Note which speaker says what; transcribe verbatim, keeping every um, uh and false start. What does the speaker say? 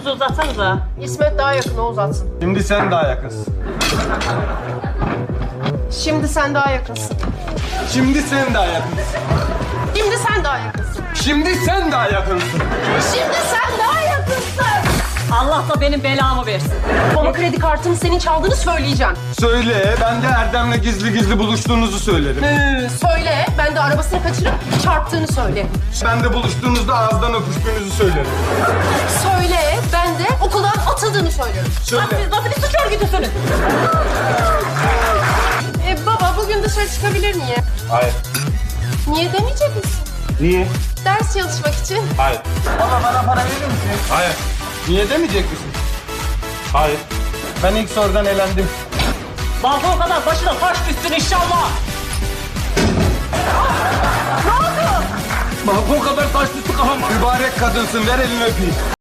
Speaker 1: elinizi uzatsanıza.
Speaker 2: İsmet daha yakın, o uzatsın.
Speaker 3: Şimdi sen daha yakınsın.
Speaker 2: Şimdi sen daha yakınsın.
Speaker 3: Şimdi sen daha yakınsın.
Speaker 2: Şimdi sen daha yakınsın.
Speaker 3: Şimdi sen daha yakınsın.
Speaker 2: Şimdi sen daha yakınsın.
Speaker 1: Allah da benim belamı versin.
Speaker 2: Ama kredi kartını senin çaldığını söyleyeceğim.
Speaker 3: Söyle, ben de Erdem'le gizli gizli buluştuğunuzu söylerim.
Speaker 2: Ee, söyle, ben de arabasını kaçırıp çarptığını söyle.
Speaker 3: Ben de buluştuğunuzda ağızdan öpüştüğünüzü söylerim.
Speaker 2: Söyle, ben de okuldan atıldığını söylerim.
Speaker 3: Söyle.
Speaker 1: Siz nasıl bir suç örgütüsünüz?
Speaker 2: Ee, baba, bugün dışarı çıkabilir miyim?
Speaker 3: Hayır.
Speaker 2: Niye demeyecek misin?
Speaker 3: Niye?
Speaker 2: Ders çalışmak için.
Speaker 3: Hayır. Baba bana para verir misin? Hayır. Niye demeyecek misin? Hayır. Ben ilk sorudan elendim.
Speaker 1: Balkon kadar başına taş düşsün inşallah.
Speaker 3: Balkon kadar taş düştü kafama. Mübarek kadınsın, ver elini öpeyim.